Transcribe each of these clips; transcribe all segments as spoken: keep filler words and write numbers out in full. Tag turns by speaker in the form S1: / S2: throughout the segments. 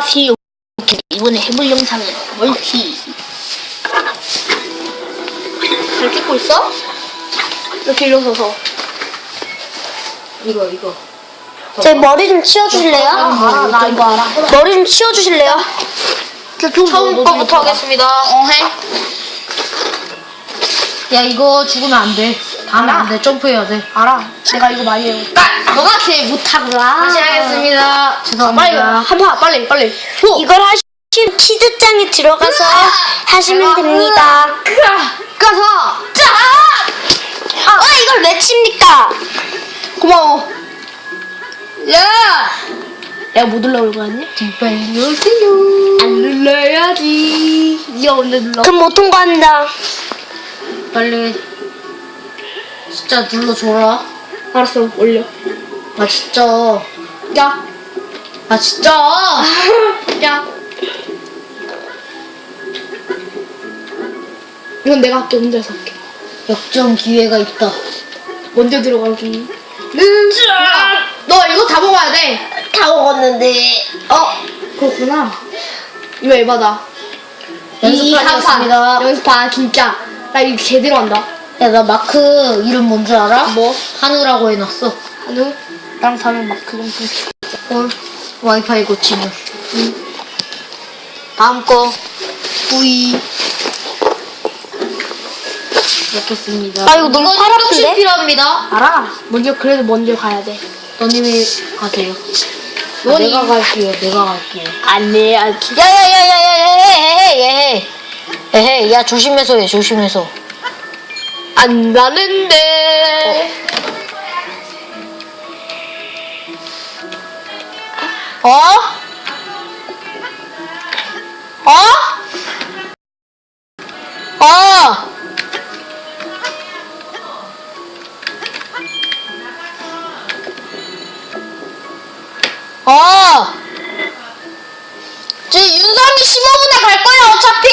S1: 안녕하세요. 이번에 해볼 영상은 멀티. 잘 찍고 있어? 이렇게 일어서서.
S2: 이거 이거.
S3: 제 머리 좀 치워주실래요?
S1: 알아, 나 이거 알아.
S3: 머리 좀 치워주실래요?
S1: 처음 거부터 하겠습니다. 어, 해.
S2: 야 이거 죽으면 안 돼. 다음에
S1: 알아.
S2: 안 돼. 점프해야 돼.
S1: 알아. 내가 이거 많이 해.
S3: 너가 제일 못하구나.
S2: 다시 하겠습니다.
S1: 빨리,
S2: 죄송합니다.
S1: 한파 빨리, 빨리. 후.
S3: 이걸 하시면 치즈장에 들어가서 하시면 됩니다.
S1: 가서. 짜!
S3: 아, 이걸 왜 칩니까?
S1: 고마워. 야! 내가 못 눌러올 거 아니야?
S2: 빨리 오세요.
S1: 안 눌러야지. 니가 언제 눌러?
S3: 그럼 못 통과한다.
S2: 빨리. 진짜 눌러줘라.
S1: 알았어, 올려.
S2: 아 진짜.
S1: 야.
S2: 아 진짜.
S1: 야. 이건 내가 할게, 혼자서 할게.
S2: 역전 기회가 있다.
S1: 먼저 들어가기. 야, 너 이거 다 먹어야 돼.
S3: 다 먹었는데.
S1: 어, 그렇구나. 이거 에바다.
S2: 연습하겠습니다.
S1: 연습하, 진짜. 나 이거 제대로 한다.
S2: 야 나 마크 이름 뭔 줄 알아?
S1: 뭐?
S2: 한우라고 해놨어.
S1: 한우? 나랑 다른 마크 좀 보자.
S2: 헐. 와이파이 고치물.
S1: 다음 거. 뿌이.
S2: 넣겠습니다.
S3: 아, 이거 너무
S2: 이건
S3: 팔
S2: 조금씩
S3: 아픈데?
S2: 필요합니다.
S1: 알아. 먼저, 그래도 먼저 가야 돼.
S2: 너님이 가세요.
S1: 너니-
S2: 내가 갈게요. 내가 갈게요.
S1: 안 돼, 안 돼.
S2: 야야야야야야야야야야. 에헤, 야 조심해서 해. 조심해서.
S1: 안 나는데.
S2: 어? 어? 어? 어? 저 윤성이 십오 분에 갈 거야 어차피.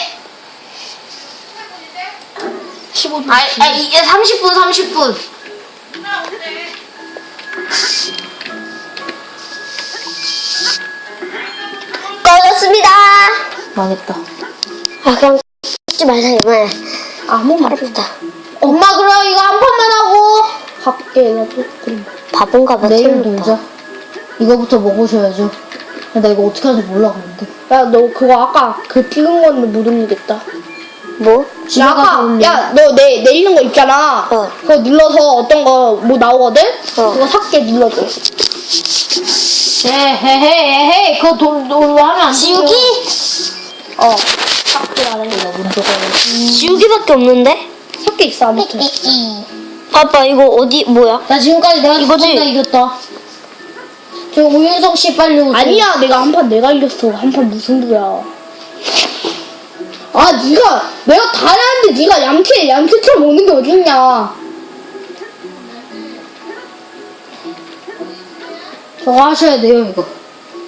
S1: 십오 분.
S2: 아, 아 이제 삼십 분 삼십 분.
S3: 꺼졌습니다.
S2: 망했다.
S3: 아, 그럼 찍지 말자, 이번에.
S1: 아무 말
S3: 아프다.
S2: 엄마 그럼 이거 한 판만 하고
S1: 갈게, 나도. 그럼.
S3: 바본가 봐.
S2: 내일
S3: 틀렸다.
S2: 놀자. 이거부터 먹으셔야죠. 나 이거 어떻게 하는지 몰라 근데.
S1: 야, 너 그거 아까 그 찍은 건데 못 올리겠다.
S3: 뭐?
S2: 집에
S1: 야,
S2: 가서
S1: 아까,
S2: 올려.
S1: 야, 너 내, 내리는 거 있잖아.
S3: 어.
S1: 그거 눌러서 어떤 거 뭐 나오거든?
S3: 어.
S1: 그거 삭제 눌러줘.
S2: 헤헤헤헤 그거 돈 돈으로 하면 안 돼.
S3: 지우기?
S1: 어. 삭제하는 거.
S2: 나 먼저 가야지.
S3: 지우기밖에 없는데?
S1: 삭제 있어, 아무튼.
S3: 아빠, 이거 어디, 뭐야?
S2: 나 지금까지 내가
S3: 이거지?
S2: 두번다 이겼다. 저 우윤성 씨 빨리 오세요.
S1: 아니야, 내가 한 판 내가 이겼어. 한 판 무슨 부야. 아, 니가, 내가 다 하는데 니가 얌체, 얌체처럼 오는 게 어딨냐.
S2: 저거 하셔야 돼요 이거.